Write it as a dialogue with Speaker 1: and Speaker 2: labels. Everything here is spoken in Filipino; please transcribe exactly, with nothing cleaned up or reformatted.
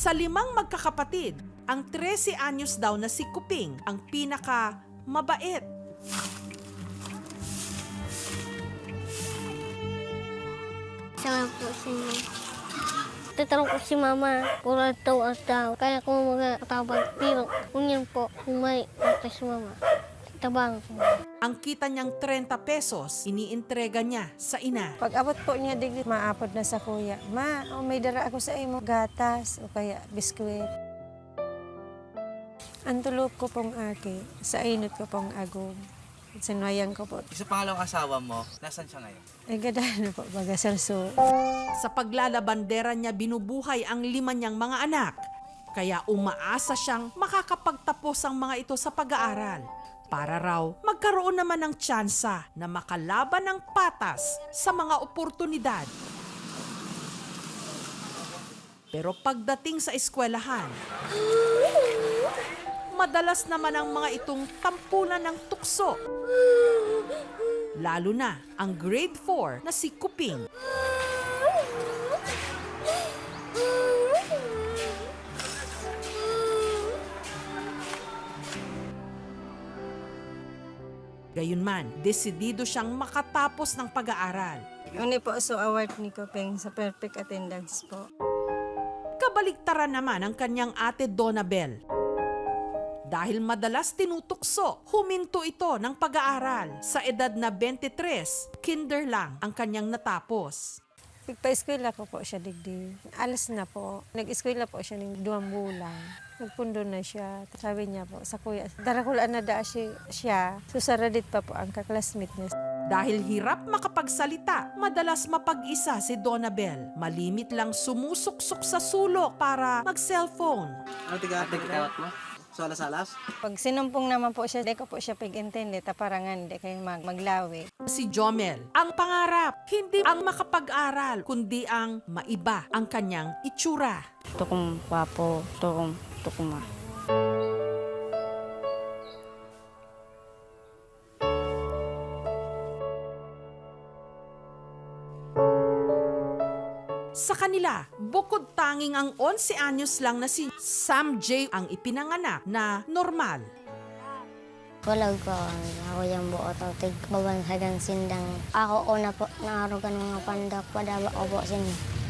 Speaker 1: Sa limang magkakapatid, ang trese anyos daw na si Kuping ang pinaka mabait.
Speaker 2: Sama po si Mama. Tatanong ko si Mama, kung ano daw at daw. Kaya kung mga katabang pero kung yan po, kung may ate si Mama, tabang ko.
Speaker 1: Ang kita niyang thirty pesos, iniintrega niya sa ina.
Speaker 3: Pag abot po niya, digli, maapod na sa kuya. Ma, oh, may dara ako sa imo, gatas o kaya biskwit. Ang tulog ko pong aki, sa inot ko pong agom. Sinwayang ko po.
Speaker 4: Sa pangalawang asawa mo, nasan siya ngayon?
Speaker 3: Ay, ganda na po, baga salso.
Speaker 1: Sa paglalabandera niya binubuhay ang lima niyang mga anak. Kaya umaasa siyang makakapagtapos ang mga ito sa pag-aaral. Para raw magkaroon naman ng tsansa na makalaban ng patas sa mga oportunidad. Pero pagdating sa eskwelahan, madalas naman ang mga itong tampulan ng tukso. Lalo na ang grade four na si Kuping. Gayunman, desidido siyang makatapos ng pag-aaral.
Speaker 3: Uni po so award ni Kopeng sa perfect attendance po.
Speaker 1: Kabaligtaran naman ang kanyang ate Donabel. Dahil madalas tinutukso, huminto ito ng pag-aaral. Sa edad na twenty-three, kinder lang ang kanyang natapos.
Speaker 3: Pagpa-eskwela ko po siya digdi. Alas na po. Nag-eskwela po siya ng duwang bulan. Nagpundo na siya. Sabi niya po sa kuya, darakulaan na da siya. siya. Susaradit pa po ang kaklasmate niya.
Speaker 1: Dahil hirap makapagsalita, madalas mapag-isa si Donabel. Malimit lang sumusuksok sa sulok para mag-cellphone.
Speaker 4: Ano tiga-tiga mo? Salas-salas?
Speaker 3: Pag sinumpong naman po siya, di ko po siya pag-intindi, taparangan, di kayo mag maglawi.
Speaker 1: Si Jomel, ang pangarap, hindi ang makapag-aral, kundi ang maiba ang kanyang itsura.
Speaker 2: Tukum papo, tukum, tukuma.
Speaker 1: Sa kanila, bukod tanging ang eleven anyos lang na si Sam J ang ipinanganak na normal.
Speaker 2: Walang ko, ako yung buo to, tig babansagan sindang. Ako una po, naarugan mga pandak, padaba ko po sinyo.